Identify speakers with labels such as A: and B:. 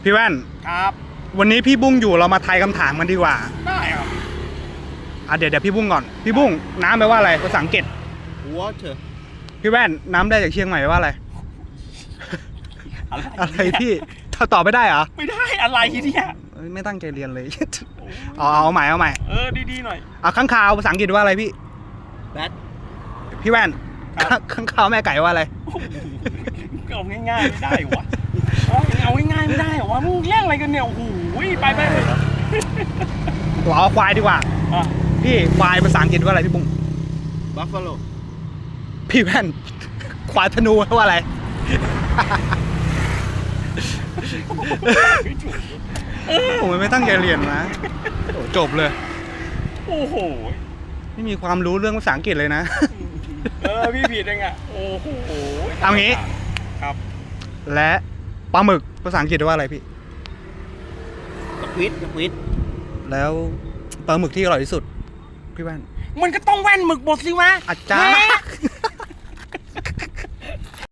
A: พี่แว่น
B: ครับ
A: วันนี้พี่บุ้งอยู่เรามาทายคำถามกันดีกว่า
B: ได้ครับ
A: เดี๋ยวพี่บุ้งก่อนพี่บุ้งน้ำแปลว่าอะไรภาษาอังกฤษ
B: water
A: พี่แว่นน้ำได้จากเชียงใหม่แปลว่าอะไรอะไรพี่ถ้าตอบไม่ได้เหรอ
B: ไม่ได้อะไรเนี่ย
A: ไม่ตั้งใจเรียนเลยเอาใหม่
B: ดีๆหน่อย
A: ข้างคาวภาษาอังกฤษว่าอะไรพี่
B: bat
A: พี่แว่นข้างคาวแม่ไก่ว่าอะไร
B: เอาง่ายๆไม่ได้วะเอาง่ายๆไม่ได้วะมึงแย่งอะไรกันเนี่ยโอ้โหไป
A: เอาควายดีกว่าพี่ควายภาษาอังกฤษว่าอะไรพี่บุ้ง
B: buffalo
A: พี่แว่นควายธนูว่าอะไรผมไม่ตั้งใจเรียนนะจบเลย
B: โอ้โห
A: ไม่มีความรู้เรื่องภาษาอังกฤษเลยนะ
B: พี่ผิดเองอ่ะโอ้โห
A: เอางี้
B: ครับ
A: และปลาหมึกภาษาอังกฤษว่าอะไรพี่
B: สควิด
A: แล้วปลาหมึกที่อร่อยที่สุดพี่แว่น
B: มันก็ต้องแว่นหมึกบดสิวะ
A: อาจารย์